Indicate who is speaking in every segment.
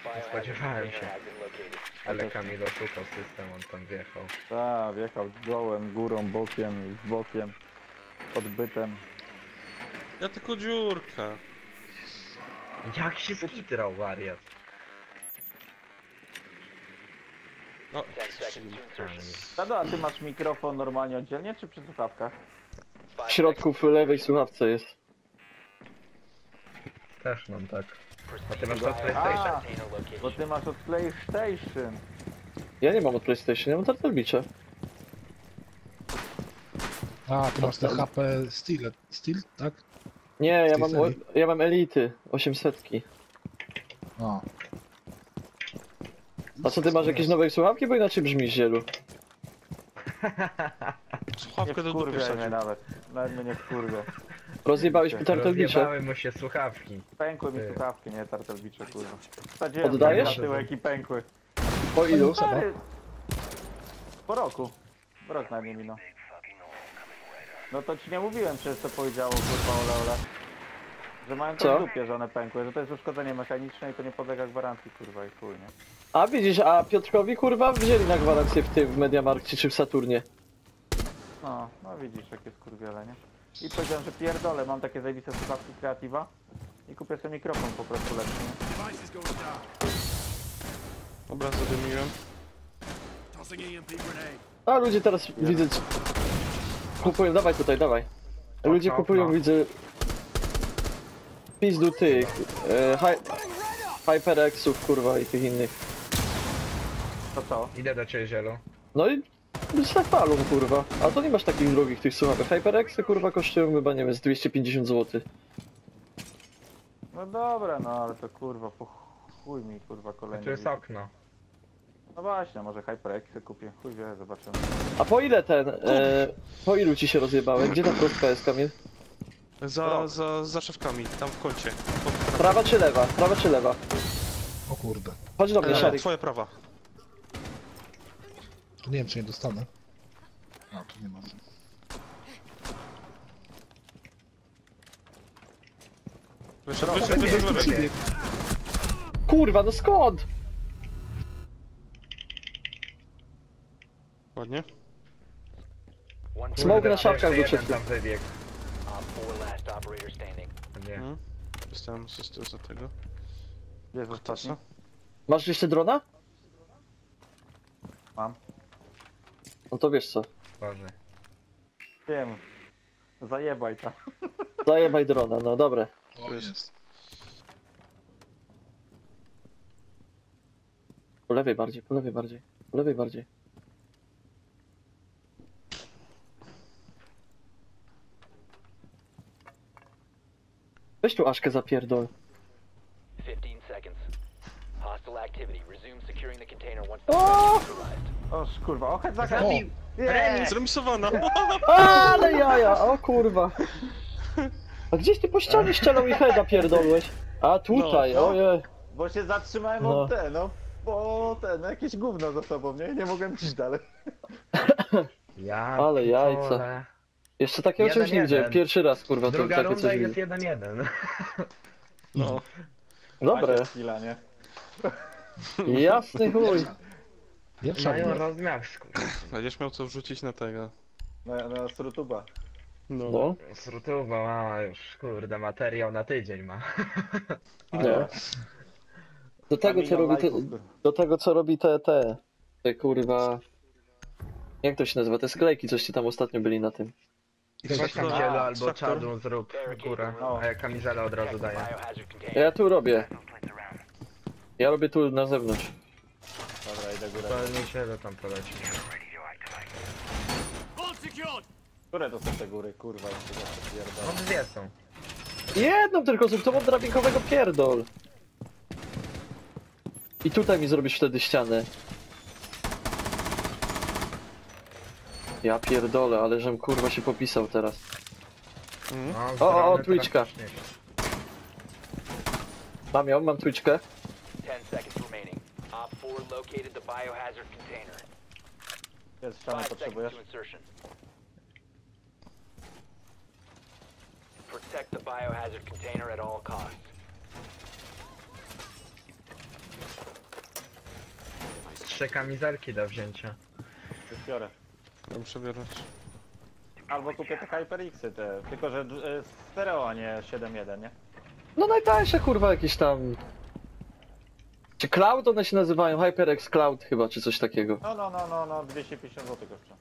Speaker 1: Spodziewałem się. Ale Kamil oszukał system, on tam wjechał.
Speaker 2: Tak, wjechał dołem, górą, bokiem, z bokiem, odbytem.
Speaker 3: Ja tylko dziurka.
Speaker 1: Jak się skitrał wariat?
Speaker 3: No,
Speaker 2: Tado, a ty masz mikrofon normalnie oddzielnie, czy przy słuchawkach?
Speaker 4: W środku w lewej słuchawce jest.
Speaker 1: Też mam tak. A ty masz to PlayStation?
Speaker 2: A, bo ty masz od PlayStation.
Speaker 4: Ja nie mam od PlayStation, ja mam Turtle Beacha.
Speaker 5: A, ty masz te HP Steel, tak?
Speaker 4: Nie,
Speaker 5: Z tej serii?
Speaker 4: ja mam Elity 800.
Speaker 5: A.
Speaker 4: A co, ty masz jakieś nowe słuchawki, bo inaczej brzmisz, Zielu?
Speaker 2: Nie
Speaker 3: słuchawkę do dupy
Speaker 2: wkurwia mnie
Speaker 3: wsadził.
Speaker 2: nawet mnie nie wkurwia.
Speaker 4: Rozjebałeś mi Turtle Beacha.
Speaker 1: Rozjebały mu się słuchawki.
Speaker 2: Pękły mi
Speaker 1: Ty.
Speaker 2: słuchawki, nie tartelbicze, kurwa. Wsadziłem
Speaker 4: Oddajesz?
Speaker 2: na tyłek i pękły.
Speaker 4: Po ilu?
Speaker 2: Stary, po roku. Rok na nie minął. No to ci nie mówiłem, przez co powiedziało kurwa ole. Że mają to
Speaker 4: Co?
Speaker 2: w dupie, że one pękły, że to jest uszkodzenie mechaniczne i to nie podlega gwarancji, kurwa, i chuj, nie?
Speaker 4: A widzisz, a Piotrkowi kurwa wzięli na gwarancję w Mediamarkcie czy w Saturnie.
Speaker 2: No widzisz, jakie skurwiele, nie? I powiedziałem, że pierdolę, mam takie zajebiste słuchawki Creativa i kupię sobie mikrofon po prostu lepszy, nie?
Speaker 3: Dobra, zadymiłem.
Speaker 4: A ludzie teraz widzę... Kupują, dawaj tutaj, dawaj. Ludzie kupują, widzę... Pizdu tych... HyperXów kurwa i tych innych.
Speaker 2: To co?
Speaker 1: Idę do ciebie, Zielu.
Speaker 4: No i... tak palą kurwa. A to nie masz takich drogich tych słuchawek. HyperXy kurwa kosztują chyba, nie wiem, z 250 zł.
Speaker 2: No dobra, no ale to kurwa, po chuj mi kurwa kolejny.
Speaker 1: Tu jest okno.
Speaker 2: No właśnie, może HyperXy kupię, chuj wie, zobaczymy.
Speaker 4: A po ile ten... po ilu ci się rozjebałem? Gdzie ta prostka jest, Kamil?
Speaker 3: Za szewkami, tam w kącie.
Speaker 4: Prawa czy lewa? Prawa czy lewa?
Speaker 5: O kurde.
Speaker 4: Chodź do mnie, Szarik.
Speaker 3: Twoja prawa.
Speaker 5: To nie wiem, czy nie dostanę. A, tu nie ma.
Speaker 3: Wyszedł.
Speaker 4: Kurwa, no skąd?
Speaker 3: Ładnie.
Speaker 4: Smoke na
Speaker 1: Kurde,
Speaker 4: szafkach
Speaker 1: jeszcze
Speaker 4: był przed
Speaker 1: jeden
Speaker 4: chwilą.
Speaker 1: tam wybiegł. Nie.
Speaker 3: Dostałem asystę za tego.
Speaker 2: Gdzie jest ostatni?
Speaker 3: Tasa.
Speaker 4: Masz jeszcze drona?
Speaker 2: Mam.
Speaker 4: No to wiesz co.
Speaker 1: Boże.
Speaker 2: Wiem. Zajebaj ta.
Speaker 4: Zajebaj drona, no dobre.
Speaker 5: O, jest.
Speaker 4: Po lewej bardziej, po lewej bardziej. Po lewej bardziej. Weź tu Aszkę zapierdol.
Speaker 6: 15 seconds. Hostile activity. Resume securing the container once
Speaker 4: O!
Speaker 6: the threat is neutralized.
Speaker 2: O kurwa, ochęt za
Speaker 1: Zabił!
Speaker 2: Nie!
Speaker 3: Zremisowana!
Speaker 4: Ale jaja, o kurwa. A gdzieś ty po ścianie ścianą i heada pierdolłeś? A tutaj,
Speaker 2: No, no.
Speaker 4: ojej.
Speaker 2: Bo się zatrzymałem
Speaker 4: No.
Speaker 2: od bo jakieś gówno za sobą, nie mogłem iść dalej.
Speaker 1: Ja
Speaker 4: Ale jajca.
Speaker 1: pitole.
Speaker 4: Jeszcze takiego czegoś nie
Speaker 1: 1-1.
Speaker 4: widziałem. Pierwszy raz kurwa to
Speaker 1: Druga
Speaker 4: takie
Speaker 1: runda
Speaker 4: coś
Speaker 1: i
Speaker 4: widzę.
Speaker 1: jest 1-1.
Speaker 3: No.
Speaker 4: Dobre,
Speaker 2: Macie chwila, nie?
Speaker 4: jasny chuj.
Speaker 5: Pierwsza
Speaker 1: Mają
Speaker 5: runda.
Speaker 1: rozmiar skurwy.
Speaker 3: Będziesz miał co wrzucić na tego.
Speaker 2: Na Srutuba.
Speaker 4: No,
Speaker 1: Srutuba ma już, kurde, materiał na tydzień ma.
Speaker 4: nie. Do tego co robi do tego co robi te kurwa... Jak to się nazywa? Te sklejki, coście tam ostatnio byli na tym.
Speaker 1: Weź tam
Speaker 3: Traktor.
Speaker 1: Zielu albo
Speaker 3: Traktor.
Speaker 1: czarnu zrób górę, a ja kamizelę od razu daję.
Speaker 6: Biohazard container.
Speaker 4: Ja tu robię. Ja robię tu na zewnątrz.
Speaker 2: Dobra, idę górę.
Speaker 1: To nie Zielu tam poleci.
Speaker 2: Które to są te góry, kurwa, jeszcze zawsze pierdolę.
Speaker 1: No dwie są.
Speaker 4: Jedną tylko zrób, to mam drabinkowego pierdol. I tutaj mi zrobisz wtedy ścianę. Ja pierdolę, ale żem kurwa się popisał teraz.
Speaker 1: No,
Speaker 4: O,
Speaker 1: drony
Speaker 4: Twitchka.
Speaker 1: praktycznie.
Speaker 4: Mam Twitchkę.
Speaker 6: 10 seconds remaining. Op 4 located the biohazard container.
Speaker 2: Jest ściany
Speaker 6: 5 seconds
Speaker 2: potrzebujesz?
Speaker 6: to insertion. Protect the biohazard container at all costs.
Speaker 1: 3 kamizelki do wzięcia.
Speaker 2: Już biorę.
Speaker 3: Ja muszę bierać.
Speaker 2: Albo kupię te HyperX-y te, tylko że stereo, a nie 7.1, nie?
Speaker 4: No najtańsze kurwa jakieś tam... Czy Cloud one się nazywają? HyperX Cloud chyba, czy coś takiego.
Speaker 2: No, 250 zł kosztuje.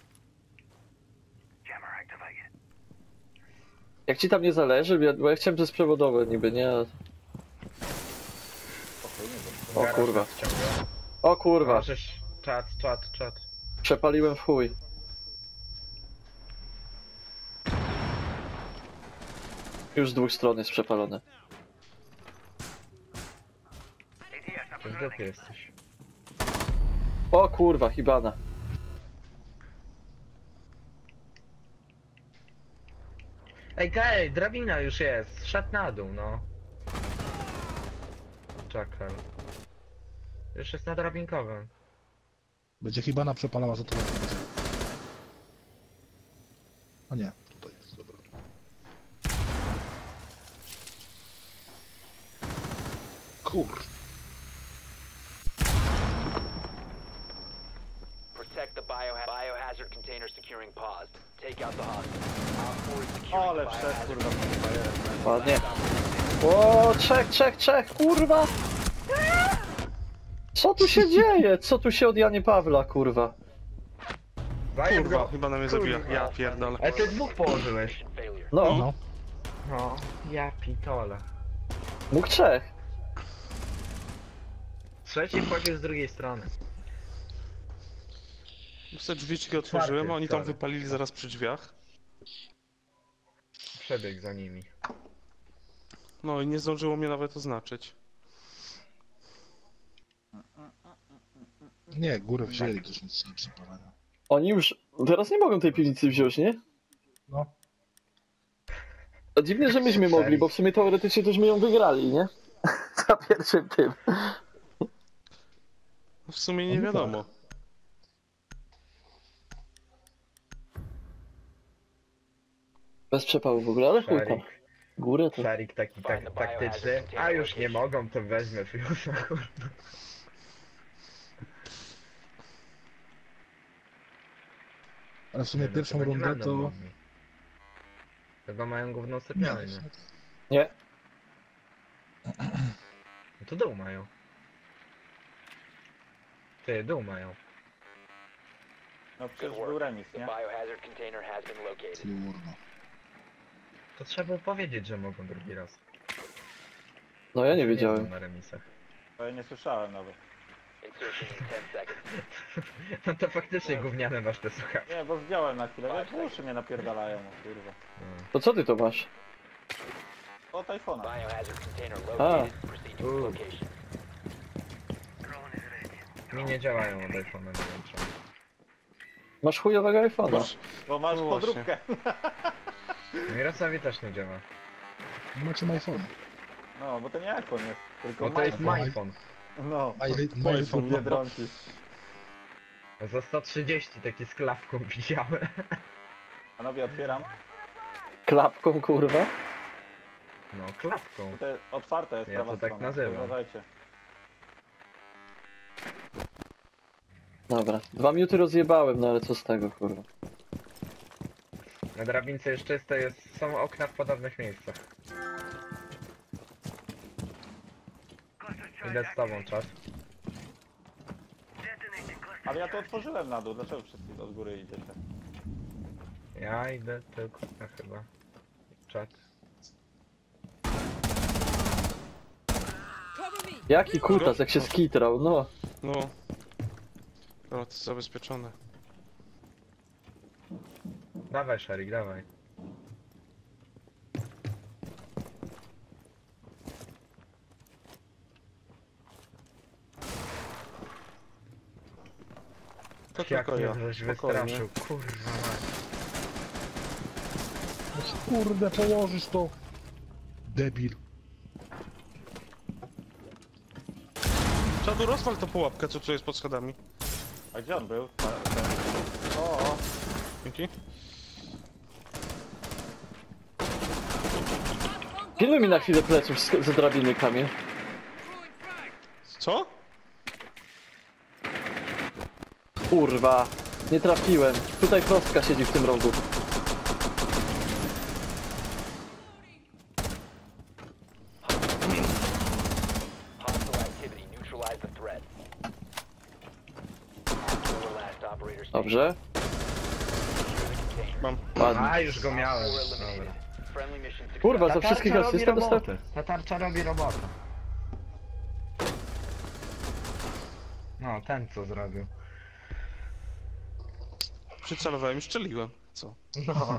Speaker 4: Jak ci tam nie zależy, bo ja chciałem przez przewodowe niby, nie? O
Speaker 1: Garaż
Speaker 4: kurwa.
Speaker 1: nas wciąga.
Speaker 4: O kurwa,
Speaker 1: Możesz... Czat.
Speaker 4: przepaliłem w chuj. Już z dwóch stron jest przepalone.
Speaker 1: Gdzie ty jesteś?
Speaker 4: O kurwa, Hibana.
Speaker 1: Ej, Gaj, drabina już jest. Szedł na dół, no. Czekaj. Już jest na drabinkowym.
Speaker 5: Będzie Hibana przepalała za to. A nie, tutaj jest, dobra. Kur...
Speaker 6: Protect the biohazard container securing paused. Take out the hostage. Op 4 is securing
Speaker 2: Ale
Speaker 6: the
Speaker 2: wszedł,
Speaker 6: biohazard
Speaker 2: kurwa,
Speaker 6: container.
Speaker 4: Ładnie. O, trzech, kurwa! Co tu się dzieje? Co tu się od Janie Pawla, kurwa?
Speaker 1: Zajem
Speaker 3: Kurwa,
Speaker 1: go!
Speaker 3: chyba na mnie zabija. Ja pierdolę.
Speaker 1: Ej, ty dwóch położyłeś.
Speaker 6: Mission failure.
Speaker 4: No,
Speaker 5: No,
Speaker 1: No, ja pitole.
Speaker 4: mógł trzech.
Speaker 1: Trzeci wchodził z drugiej strony.
Speaker 3: Te drzwiczki otworzyłem, a oni tam
Speaker 1: sorry.
Speaker 3: wypalili zaraz przy drzwiach.
Speaker 1: Przebiegł za nimi.
Speaker 3: No i nie zdążyło mnie nawet oznaczyć.
Speaker 5: nie, górę wzięli, też nic nie przepalania.
Speaker 4: Oni już teraz nie mogą tej piwnicy wziąć, nie?
Speaker 5: No,
Speaker 4: A dziwnie, że myśmy mogli, bo w sumie teoretycznie też my ją wygrali, nie? Za pierwszym tym.
Speaker 3: W sumie nie
Speaker 5: No
Speaker 3: wiadomo.
Speaker 4: Bez przepału w ogóle, ale chuj tam.
Speaker 1: Szarik.
Speaker 4: Górę to...
Speaker 1: Szarik taki taktyczny. A już nie mogą, to weźmę Fiusa, kurwa.
Speaker 5: ale w sumie
Speaker 1: No,
Speaker 5: pierwszą
Speaker 1: chyba nie
Speaker 5: rundę
Speaker 1: będą
Speaker 5: to...
Speaker 1: mogli. Chyba mają główną
Speaker 5: Nie,
Speaker 1: sypialnię.
Speaker 4: Nie.
Speaker 1: No to dół mają. Ty, dół mają.
Speaker 2: No
Speaker 6: Good
Speaker 2: przecież
Speaker 6: work.
Speaker 2: był remis,
Speaker 6: The
Speaker 2: nie?
Speaker 6: biohazard container has been located.
Speaker 5: Kurwa.
Speaker 1: To trzeba było powiedzieć, że mogą drugi raz.
Speaker 4: No ja nie
Speaker 1: Się
Speaker 4: wiedziałem.
Speaker 1: znam na remisach.
Speaker 2: To ja nie słyszałem nawet.
Speaker 6: Insertion in 10 seconds.
Speaker 1: No to faktycznie gówniane masz te słuchawki.
Speaker 2: Nie, bo zdjąłem na chwilę, wiesz, uszy mnie napierdalają, no, kurwa.
Speaker 4: To co ty to masz?
Speaker 2: Od iPhone'a.
Speaker 6: Biohazard container located. Proceed to its
Speaker 1: Ooh.
Speaker 6: location.
Speaker 1: Mi nie działają od iPhone'a, nie wiem czemu.
Speaker 4: Masz chujowego iPhone'a.
Speaker 3: Masz-
Speaker 2: Bo masz
Speaker 3: No właśnie.
Speaker 2: podróbkę.
Speaker 1: Mirosowi też nie działa.
Speaker 5: Nie macie iPhone.
Speaker 2: No, bo to nie iPhone jest, tylko
Speaker 1: Bo to jest
Speaker 2: iPhone.
Speaker 1: MyPhone.
Speaker 2: No,
Speaker 5: iPhone,
Speaker 2: Biedronki.
Speaker 1: Za 130 taki z klapką widziałem.
Speaker 2: Panowie, otwieram.
Speaker 4: Klapką, kurwa.
Speaker 1: No, klapką.
Speaker 2: To jest otwarte jest
Speaker 1: Ja
Speaker 2: prawa
Speaker 1: to tak
Speaker 2: strona.
Speaker 1: nazywam.
Speaker 2: Uważajcie.
Speaker 4: Dobra. 2 minuty rozjebałem, no ale co z tego, kurwa.
Speaker 1: Na drabince jest czyste, są okna w podobnych miejscach. Idę z tobą, czas.
Speaker 2: Ale ja to otworzyłem na dół, dlaczego wszyscy od góry idziecie?
Speaker 1: Ja idę tylko, chyba. Czat.
Speaker 4: Jaki kutas, jak się skitrał, no.
Speaker 3: No. O, to jest zabezpieczone.
Speaker 1: Dawaj, Szarik, dawaj.
Speaker 3: To
Speaker 1: Jak
Speaker 3: tylko ja.
Speaker 1: mnie żeś
Speaker 3: Spokojnie.
Speaker 1: wystraszył, kurwa mać.
Speaker 5: No kurde, położysz to. Debil.
Speaker 3: Czadu, rozwal tą pułapkę, co tu jest pod schodami.
Speaker 2: A gdzie on był? O,
Speaker 3: Dzięki.
Speaker 4: Pilnuj mi na chwilę pleców z drabiny, Kamil.
Speaker 3: Co?
Speaker 4: Kurwa, nie trafiłem. Tutaj prostka siedzi w tym rogu.
Speaker 6: Hostile activity. Neutralize the threat. Four last operators standing.
Speaker 4: Dobrze.
Speaker 6: Secure the container.
Speaker 3: Mam.
Speaker 4: Ładnie.
Speaker 1: A, już go miałem.
Speaker 6: Four
Speaker 1: Dobra.
Speaker 6: eliminated. Friendly mission success.
Speaker 4: Kurwa,
Speaker 1: Ta
Speaker 4: za wszystkich
Speaker 1: tarcza robi
Speaker 4: asystę dostałem.
Speaker 1: robotę. Ta tarcza robi robotę. No, ten co zrobił.
Speaker 3: Przycelowałem i strzeliłem. Co?
Speaker 1: No.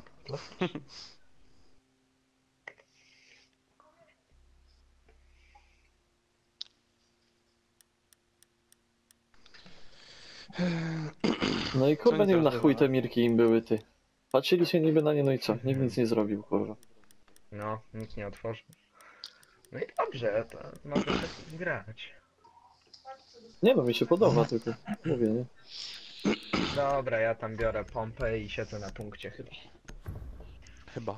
Speaker 4: No i kurwa
Speaker 3: Co
Speaker 4: nie wiem na
Speaker 3: teraz
Speaker 4: chuj
Speaker 3: było?
Speaker 4: te mirki im były, ty. Patrzyli się niby na nie, no i co? Nikt nic nie zrobił, kurwa.
Speaker 1: No, nikt nie otworzył. No i dobrze, to mogę tak grać.
Speaker 4: Nie no, mi się podoba tylko. Mówię, nie?
Speaker 1: Dobra, ja tam biorę pompę i siedzę na punkcie chyba.
Speaker 3: Chyba.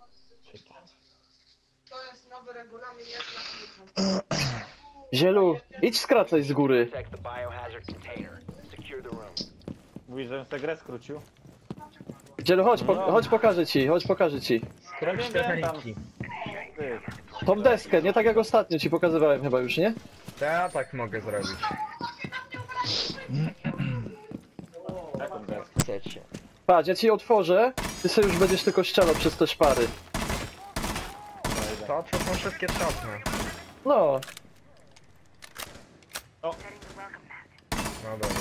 Speaker 7: To jest nowy regulamin, jak na
Speaker 4: Zielu, idź skracaj z góry.
Speaker 6: Protect the biohazard container. Secure the room.
Speaker 2: Mówisz, że tę grę skrócił?
Speaker 4: Zielu, chodź, chodź pokażę ci, chodź pokażę ci.
Speaker 1: Skróć te
Speaker 2: wiem, tam.
Speaker 1: ręki.
Speaker 2: Ty,
Speaker 4: Tą deskę, nie tak jak ostatnio ci pokazywałem chyba już, nie?
Speaker 1: To ja tak mogę zrobić.
Speaker 2: taką grę.
Speaker 1: Chcecie.
Speaker 4: Patrz, ja ci otworzę, ty sobie już będziesz tylko strzelał przez te szpary.
Speaker 1: To są wszystkie trzopne.
Speaker 4: No,
Speaker 1: No dobra.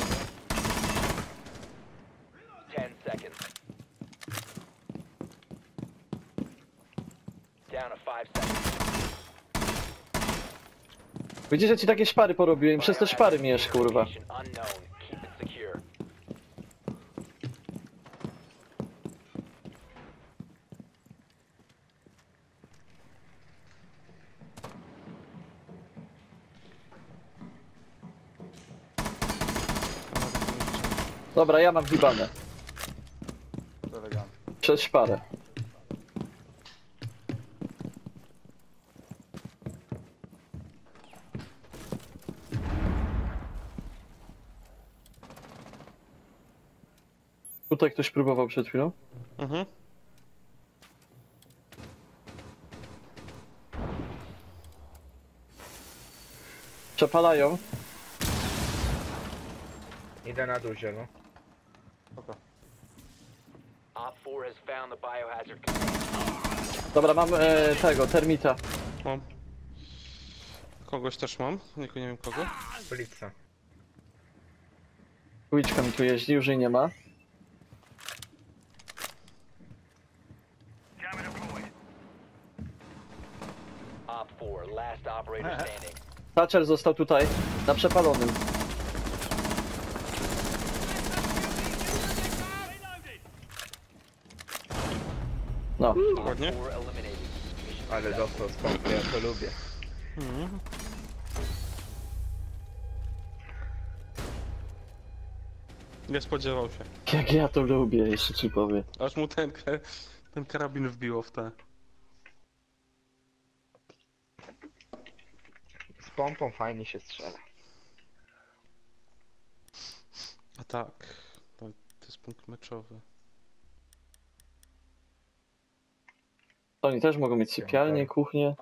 Speaker 6: 10 seconds. Down to 5 seconds.
Speaker 4: widzisz, że ci takie szpary porobiłem, przez te szpary mijesz, kurwa.
Speaker 6: Location unknown. Keep it secure.
Speaker 4: Dobra, ja mam wibane.
Speaker 2: To elegancko.
Speaker 4: Przez szparę. Tutaj ktoś próbował przed chwilą.
Speaker 3: Mhm.
Speaker 4: Przepalają.
Speaker 1: Idę na duzie, no.
Speaker 6: Op 4 has found the biohazard container.
Speaker 4: Dobra, mam tego, termita.
Speaker 3: Mam. Kogoś też mam. Nie wiem kogo.
Speaker 1: Ulica.
Speaker 4: Uliczka mi tu jeździ, już jej nie ma.
Speaker 6: Op 4, last operator standing.
Speaker 4: Thatcher został tutaj, na przepalonym. No,
Speaker 3: Ładnie.
Speaker 6: 4 eliminated. Mission
Speaker 1: Ale
Speaker 6: successful.
Speaker 1: dostał z pompy, ja to lubię.
Speaker 3: Mhm. Nie spodziewał się.
Speaker 4: jak ja to lubię, jeszcze ci powiem.
Speaker 3: Aż mu ten karabin wbiło w te.
Speaker 1: Z pompą fajnie się strzela.
Speaker 3: A tak. To jest punkt meczowy.
Speaker 4: Oni też mogą mieć sypialnię, kuchnię.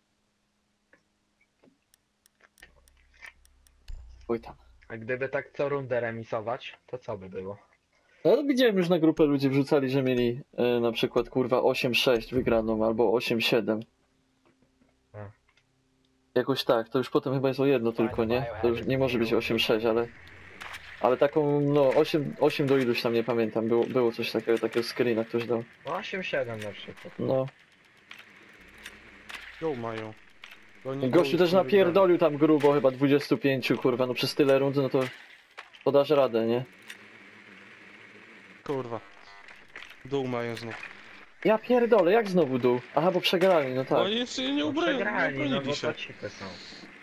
Speaker 4: Oj tam.
Speaker 1: A gdyby tak co rundę remisować, to co by było?
Speaker 4: No widziałem już na grupę ludzi wrzucali, że mieli na przykład kurwa 8-6 wygraną albo 8-7.
Speaker 1: A.
Speaker 4: Jakoś tak, to już potem chyba jest o jedno tylko, nie? To już nie może być 8-6, ale taką, no 8 do iluś tam nie pamiętam, było coś takiego screena ktoś dał.
Speaker 1: 8-7 na przykład.
Speaker 4: No.
Speaker 3: Ją mają.
Speaker 4: Gościu też napierdolił tam grubo, chyba 25, kurwa, no przez tyle rund, no to podasz radę, nie?
Speaker 3: Kurwa. Dół mają znów.
Speaker 4: Ja pierdolę, jak znowu dół? Aha, bo przegrali, no
Speaker 3: No
Speaker 4: tak.
Speaker 3: oni jeszcze nie
Speaker 1: No przegrali, no
Speaker 3: ubronili
Speaker 1: bo
Speaker 3: się.
Speaker 1: to cipy są.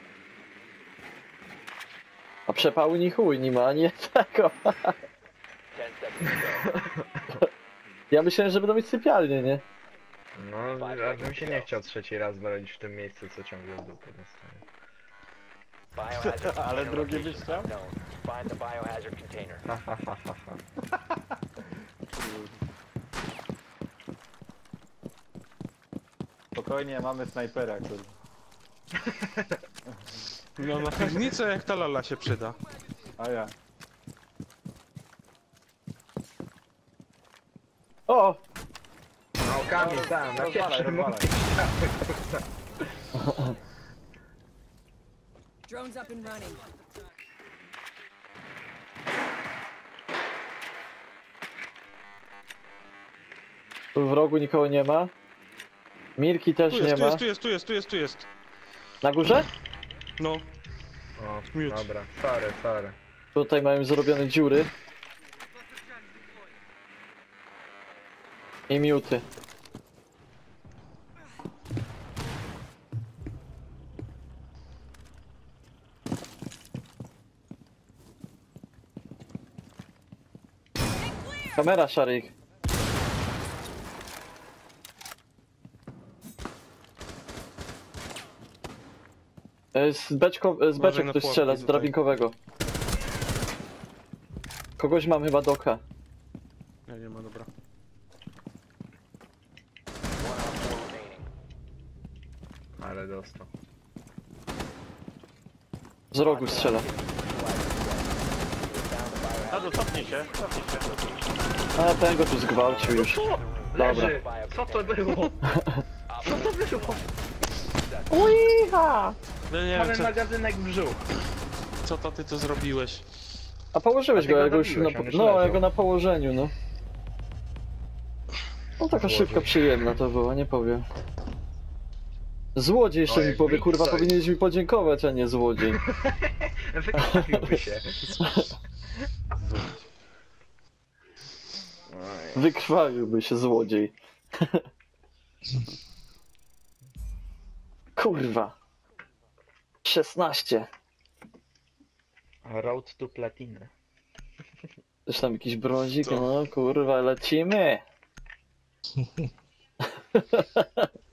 Speaker 4: A przepału ni chuj nie ma, ani tego.
Speaker 6: 10 seconds to go.
Speaker 4: Ja myślałem, że będą mieć sypialnię, nie?
Speaker 1: No, a bym się nie chciał trzeci raz bronić w tym miejscu, co ciągle w dupę dostaję.
Speaker 6: Biohazard
Speaker 2: Ale
Speaker 6: container
Speaker 2: drugi
Speaker 6: location
Speaker 2: byś chciał?
Speaker 6: unknown. Find the biohazard container.
Speaker 1: Ha, ha, ha, ha, ha.
Speaker 2: Spokojnie, mamy snajpera, kurwa.
Speaker 3: No na piwnicę jak ta lala się przyda.
Speaker 2: A ja.
Speaker 4: O!
Speaker 1: No kamień tam, na
Speaker 2: Rozwalaj,
Speaker 1: pierwszym
Speaker 2: rozwalaj.
Speaker 8: Drone's up and running.
Speaker 4: Tu w rogu nikogo nie ma. Mirki też
Speaker 3: Tu
Speaker 4: nie
Speaker 3: jest, tu
Speaker 4: ma.
Speaker 3: jest, tu jest, tu jest, tu jest, tu jest.
Speaker 4: Na górze?
Speaker 3: No,
Speaker 1: O,
Speaker 3: Miód.
Speaker 1: dobra, sorry, sorry.
Speaker 4: Tutaj mają zrobione dziury. I miuty. Kamera, Szarik. Z beczek
Speaker 3: na
Speaker 4: ktoś
Speaker 3: pułapki
Speaker 4: strzela, z
Speaker 3: tutaj.
Speaker 4: drabinkowego. Kogoś mam chyba doka.
Speaker 3: nie ma, dobra.
Speaker 6: One on 4 remaining.
Speaker 1: Ale dostał.
Speaker 4: Z rogu strzela.
Speaker 2: Tadu, cofnij się, cofnij się.
Speaker 4: A ten go tu zgwałcił już.
Speaker 1: Leży! Co to było? Co to było?
Speaker 3: No nie wiem,
Speaker 1: Mamy magazynek w brzuch.
Speaker 3: co to ty to zrobiłeś?
Speaker 4: A położyłeś
Speaker 1: A ty
Speaker 4: go,
Speaker 1: go
Speaker 4: ja go już
Speaker 1: zabiłeś,
Speaker 4: na,
Speaker 1: on już
Speaker 4: no, ja
Speaker 1: leżał.
Speaker 4: go na położeniu, no. No taka
Speaker 1: Złodziej.
Speaker 4: szybka, przyjemna to była, nie powiem. Złodziej jeszcze
Speaker 1: O,
Speaker 4: mi
Speaker 1: jak
Speaker 4: powie, kurwa,
Speaker 1: Wilk
Speaker 4: powinieneś mi podziękować, a nie złodziej.
Speaker 1: Wykrwawiłby się.
Speaker 4: Wykrwawiłby się złodziej. Kurwa. 16.
Speaker 1: Road to Platinę.
Speaker 4: Też tam jakiś brązik,
Speaker 3: Co?
Speaker 4: no kurwa, lecimy.